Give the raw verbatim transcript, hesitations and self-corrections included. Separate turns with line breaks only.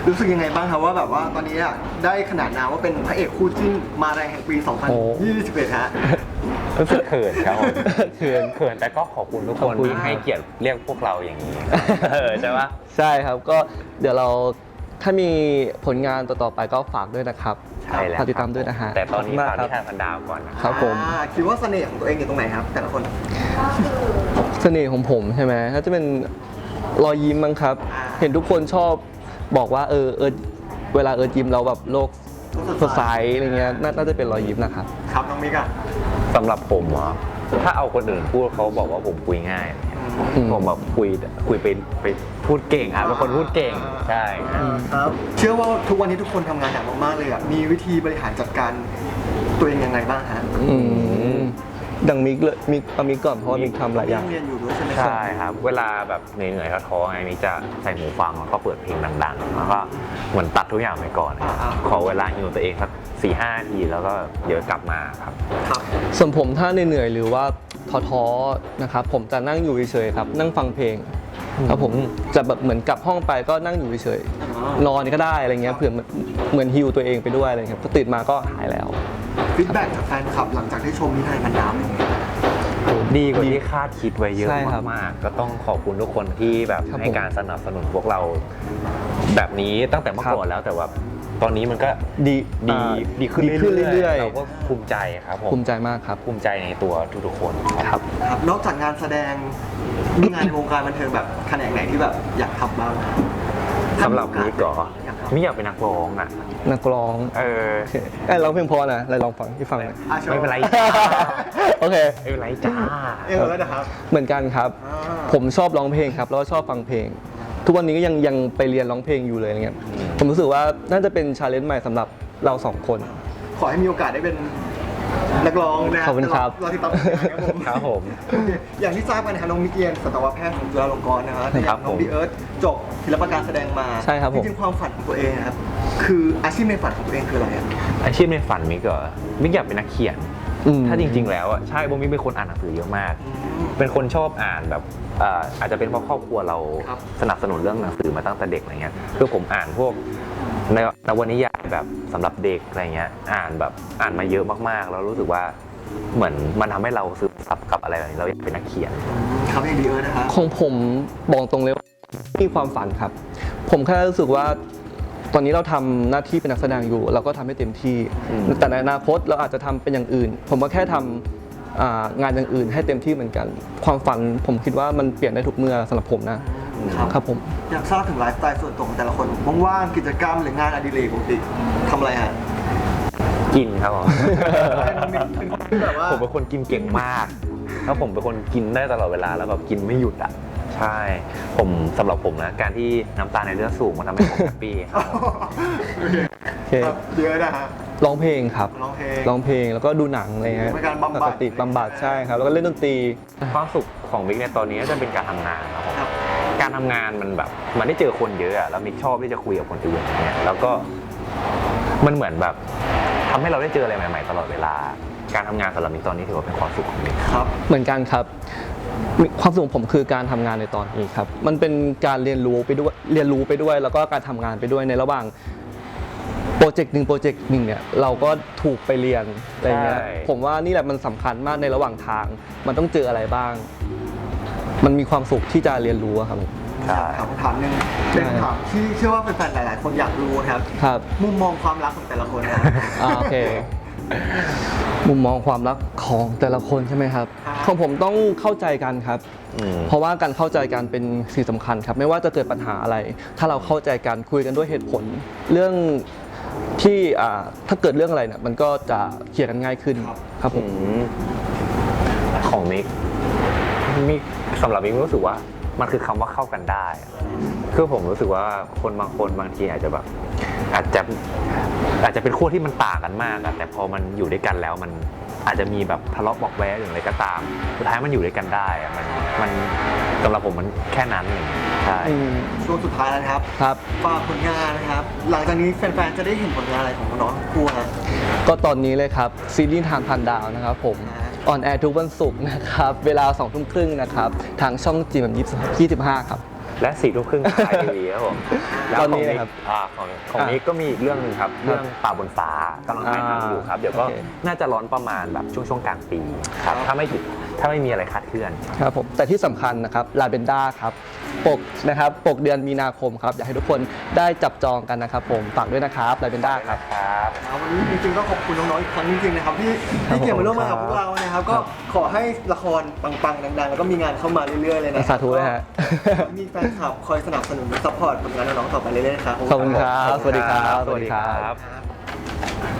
รู้สึกยังไงบ้างครับว่าแบบว่าตอนนี้อะได้ขนาดนามว่าเป็นพระเอกคู่จิ้นมาแรงแห่งปี สองพันยี่สิบเอ็ด ฮะ
รู้สึกเขินครับผม
เขิน
เขินแต่ก็ขอบคุณทุกคนที่ให้เกียรติเรียกพวกเราอย่างนี้เออใช่ปะ
ใช่ครับก็เดี๋ยวเราถ้ามีผลงานต่อๆไปก็ฝากด้วยนะครับ
ใช่แล้ว
ฝากติดตามด้วยนะฮะ
แต่ตอนนี้
ขบ
ฝาก
คุณ
นิ
ม
ทานพันดาวก่อนนะ
ครับผม
อ่าคิดว่าเสน่ห์ของตัวเองอยู่ตรงไหนครับ แต่ละคน
เสน่ห์ของผมใช่ไหมถ้าจะเป็นรอยยิ้มมั้งครับ
อ่า
เห็นทุกคนชอบบอกว่าเออเออเวลาเออยิ้มเราแบบโลกสดใสอะไรเงี้ยน่าน่าจะเป็นรอยยิ้มนะครับ
ครับน้องมิกอะ
สำหรับผมเหรอถ้าเอาคนอื่นพูดเขาบอกว่าผมคุยง่าย
อืม
ผมแบบคุยคุยไปไปพูดเก่งอ่ะเป็นคนพูดเก่งใช่
ครับเชื่อว่าทุกวันนี้ทุกคนทำงานหนักมากๆเลยอะมีวิธีบริหารจัดการตัวเองยังไงบ้างฮะ
อืมดังมิกเลยมิกเอามิกก่อนเพราะว่ามิกทำหลายอย่าง
เรียนอยู่ด้วยใช่ไหม
ใช่ครับ เวลาแบบเหนื่อยๆท้อๆไงมิกจะใส่หูฟังแล้วก็เปิดเพลงดังๆ แล้วก็เหมือนตัดทุกอย่างไปก่อนนะครับขอเวลาอยู่ตัวเองสักสี่ห้านาทีแล้วก็เดี๋ยวกลับมาครับ
ครับ
ส่วนผมถ้าเหนื่อยๆหรือว่าท้อๆนะครับผมจะนั่งอยู่เฉยๆครับนั่งฟังเพลงครับผมจะแบบเหมือนกลับห้องไปก็นั่งอยู่เฉยๆนอนก็ได้อะไรเงี้ยเผื่อเหมือนฮิวตัวเองไปด้วยอะไรเงี้ยพอตื่นมาก็หายแล้ว
ฟีดแบ็กจากแฟนคลับหลังจากที่ชมนิทานพันดาวเป็นยังไง
ดีกว่าที่คาดคิดไว้เยอะ
ใช่ครับ
มากๆก็ต้องขอบคุณทุกคนที่แบบ
ครับ
ให้การสนับสนุนพวกเรา แบบนี้ตั้งแต่เมื่อก่อนแล้วแต่ว่าตอนนี้มันก็
ดี
ดี
อ่า
ดีขึ้น
ดีขึ้นเรื่อยๆ
เราก็ภูมิใจครับผม
ภูมิใจมากครับ
ภูมิใจในตัวทุกๆคนครับ
ครับนอกจากงานแสดงมีงานในวงการบันเทิงแบบแขนงไหนที่แบบอยากทำบ้าง
สำหรับมิกเหรอ
อยากทำ
มิกอยากเป็นนักร้องอ่ะ
นักร้อง
เออ
ไอ้ยร้องเพลงเพอนะอะไรลองฟังที่ฟังหน่อย
อ่ะโชว์
ไม่เป็นไร
โอเค
ไม่เป็นไรจ้า
เออแล้วนะครับ
เหมือนกันครับ
อ่า
ผมชอบร้องเพลงครับแล้วก็ชอบฟังเพลง ทุกวันนี้ก็ยังยังไปเรียนร้องเพลงอยู่เลยอะไรเงี้ยผมรู้สึกว่าน่าจะเป็นชาเลนจ์ใหม่สำหรับเราสองคน
ขอให้มีโอกาสได้เป็นนักร้องนะ
ขอบคุณครับ
เราติดตามผลงานครับผม
ครับผม
โอเคอย่างที่ทราบกันนะครับน้องมิกเกียนสัตวแพทย์ของจุฬาลงกรณ์นะฮะแต่อ
ครั
ย่า
บ
งน้อง
ผม
บีเอิร์ธจบศิลปการแสดงมา
ใช่ครับผม
จริงๆความฝันของตัวเองนะครับคืออาชีพในฝันของตัวเองคืออะไรอะ
อาชีพในฝันมิกเหรอมิกอยากเป็นนักเขียน
อืม
ถ้าจริง ๆ แล้วอ่ะใช่ผมมิกเป็นคนอ่านหนังสือเยอะมาก เป็นคนชอบอ่านแบบเอ่ออาจจะเป็นเพราะครอบครัวเรา
ครับ
สนับสนุนเรื่องหนังสือมาตั้งแต่เด็กอะไรเงี้ยคือผมอ่านพวกในนวนิยายแบบสำหรับเด็กอะไรเงี้ยอ่านแบบอ่านมาเยอะมากๆ แล้วรู้สึกว่าเหมือนมันทำให้เราซึมซับกับอะไรแบบนี้เราอยากเป็นนักเขียน
ครับอย่างบีเอิร์ธนะครับ
ของผมบอกตรงเลยว่ามีความฝันครับ ผมแค่รู้สึกว่าตอนนี้เราทำหน้าที่เป็นนักแสดงอยู่ เราก็ทำให้เต็มที่
อืม
แต่ในอนาคตเราอาจจะทำเป็นอย่างอื่น ผมก็แค่ทำอ่างานอย่างอื่นให้เต็มที่เหมือนกัน ความฝันผมคิดว่ามันเปลี่ยนได้ทุกเมื่อสำหรับผมนะครับ ครับผม
อยากทราบถึงไลฟ์สไตล์ส่วนตัวของแต่ละคนว่างๆกิจกรรมหรืองานอดิเรกปกติทำอะไรฮะ
กินครับผม
น้องมิกเป็นคนที่แบบว่า
ผมเป็นคนกินเก่งมาก แล้วผมเป็นคนกินได้ตลอดเวลาแล้วแบบกินไม่หยุดอ่ะ ใช่ ผมสำหรับผมนะ การที่น้ำตาลในเลือดสูงมันทำให้ผมแฮปปี้ครับ
โอเค
โอเค
ครับเยอะนะฮะ
ร้องเพลงครับ
ร้องเพลง
ร้องเพลงแล้วก็ดูหนังอะไรเงี้ย
เป็นการบำบัด
ปกติบำบัดใช่ครับ แล้วก็เล่นดนตรี
ความสุขของมิกในตอนนี้ก็จะเป็นการทำงานครับผม
ครับ
การทำงานมันแบบมันได้เจอคนเยอะอะแล้วมิกชอบที่จะคุยกับคนอื่นอย่างเงี้ยแล้วก็มันเหมือนแบบทำให้เราได้เจออะไรใหม่ๆตลอดเวลา การทำงานสำหรับมิกตอนนี้ถือว่าเป็นความสุขของมิก
ครับ
เหมือนกันครับมีความสุขของผมคือการทำงานในตอนนี้ครับ มันเป็นการเรียนรู้ไปด้วยเรียนรู้ไปด้วย แล้วก็การทำงานไปด้วยในระหว่างโปรเจกต์หนึ่งโปรเจกต์หนึ่งเนี่ยเราก็ถูกไปเรียนอะไรเงี้ยผมว่านี่แหละมันสำคัญมากในระหว่างทาง มันต้องเจออะไรบ้าง มันมีความสุขที่จะเรียนรู้อะครับผม
ใช่
ถามคำถามหนึ่งเป็นคำถามที่เชื่อว่าแฟนๆหลาย ๆ คนอยากรู้นะครับ
ครับ
มุมมองความรักของแต่ละคนนะ
อ่าโอเค มุมมองความรักของแต่ละคนใช่ไหมครับ
ครับ
ของผมต้องเข้าใจกันครับ
อืม
เพราะว่าการเข้าใจกันเป็นสิ่งสำคัญครับ ไม่ว่าจะเกิดปัญหาอะไร ถ้าเราเข้าใจกันคุยกันด้วยเหตุผล เรื่องที่อ่าถ้าเกิดเรื่องอะไรเนี่ยมันก็จะเคลียร์กันง่ายขึ้นครับผม
อืมของมิกมิกสำหรับมิกรู้สึกว่ามันคือคำว่าเข้ากันได้อะคือผมรู้สึกว่าคนบางคนบางทีอาจจะแบบอาจจะอาจจะเป็นขั้วที่มันต่างกันมากอะแต่พอมันอยู่ด้วยกันแล้วมันอาจจะมีแบบทะเลาะเบอกแว้งหรืออะไรก็ตามสุดท้ายมันอยู่ด้วยกันได้อะมันมันสำหรับผมมันแค่นั้นเองใช่
อืม
ช่วงสุดท้ายแล้วนะครับ
ครับ
ฝากผลงานนะครับ หลังจากนี้แฟน ๆ จะได้เห็นผลงานอะไรของน้องๆทั้งคู่ฮะ
ก็ตอนนี้เลยครับซีรีส์ทางพันดาวนะครับผม
ครับ
ออนแอร์ทุกวันศุกร์นะครับ เวลาสองทุ่มครึ่งนะครับ ทางช่องจีมยี่สิบห้าครับ
และสี่ทุ่มครึ่งไทยทีวีครับผมแล้ว
ตอน
ขอ
นี้
งมิก
นะครับ
อ่าของของ
อ่ะ
มิกก็มีอีกเรื่องหนึ่งครับ เรื่องป่าบนฟ้ากำลังถ่ายทำอยู่ครับ เดี๋ยวก็
โอเค
น่าจะร้อนประมาณแบบช่วงช่วงกลางปีครับถ้าไม่ถ้าไม่มีอะไรคาดเคลื่อน
ครับผมแต่ที่สำคัญนะครับลาเบนด้าครับปกนะครับปกเดือนมีนาคมครับอยากให้ทุกคนได้จับจองกันนะครับผมฝากด้วยนะครับลาเบนด้าครับ
ครับ
วันนี้จริงๆต้องขอบคุณน้องๆอีกครั้งจริงๆนะครับที่ที่เกี่ยวมาร่วมงานกับพวกเรานะครับก็ขอให้ละครปังๆดังๆแล้วก็มีงานเข้ามาเรื่อยๆเลยนะ
สาธุเลยฮะ
ก็มีแฟนคลับคอยสนับสนุนซัพพอร์ตผลงานน้องๆต่อไปเรื่อยๆนะครับ
ขอบคุณครับ สวัสดีครับ
สวัสดีครับ
ครับ